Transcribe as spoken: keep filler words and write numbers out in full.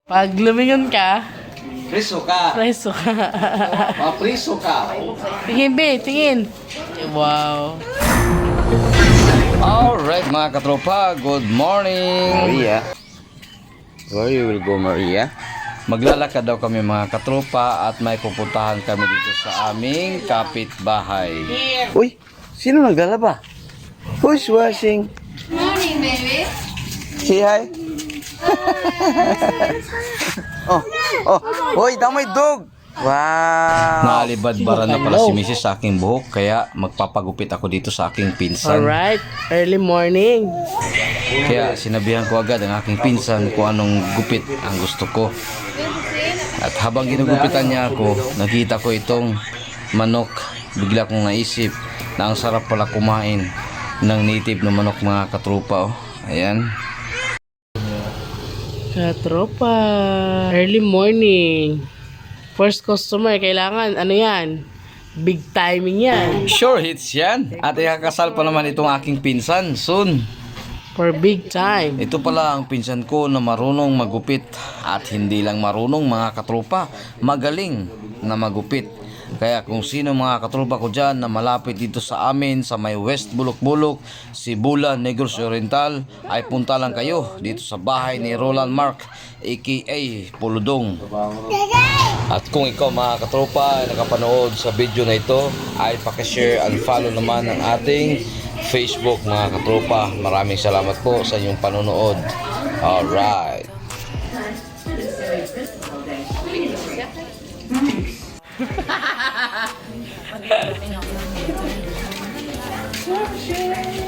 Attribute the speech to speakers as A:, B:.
A: Pag lumingon ka,
B: Priso ka.
A: preso ka.
B: Mapriso ka.
A: Tingin, be, tingin. Wow.
B: Alright mga katropa, good morning. Maria. Where you will go, Maria? Maglalakad daw kami mga katropa at may pupuntahan kami dito sa aming kapitbahay. Uy, sino naglalaba? Who's washing?
C: Morning, baby.
B: Say hi. oh, oh, hoy, damay dog. Wow. Naalibadbaran na pala si Missus sa aking buhok kaya magpapagupit ako dito sa aking pinsan.
A: Alright, early morning.
B: Kaya sinabihan ko agad ang aking pinsan kung anong gupit ang gusto ko. At habang ginugupitan niya ako, nakita ko itong manok. Bigla kong naisip na ang sarap pala kumain ng native na manok mga katropa. Oh. Ayan.
A: Katropa. Early morning. First customer, kailangan, ano yan? Big timing yan.
B: Sure hits yan. At ikakasal pa naman itong aking pinsan soon.
A: For big time.
B: Ito pala ang pinsan ko na marunong magupit. At hindi lang marunong mga katropa, magaling na magupit. Kaya kung sino mga katropa ko dyan na malapit dito sa amin sa may West Bulok-Bulok, Sibulan, Negros Oriental, ay punta lang kayo dito sa bahay ni Roland Mark aka Puludong. At kung ikaw mga katropa ay nakapanood sa video na ito, ay pakishare and follow naman ang ating Facebook mga katropa. Maraming salamat po sa inyong panonood. Alright.
C: Sure.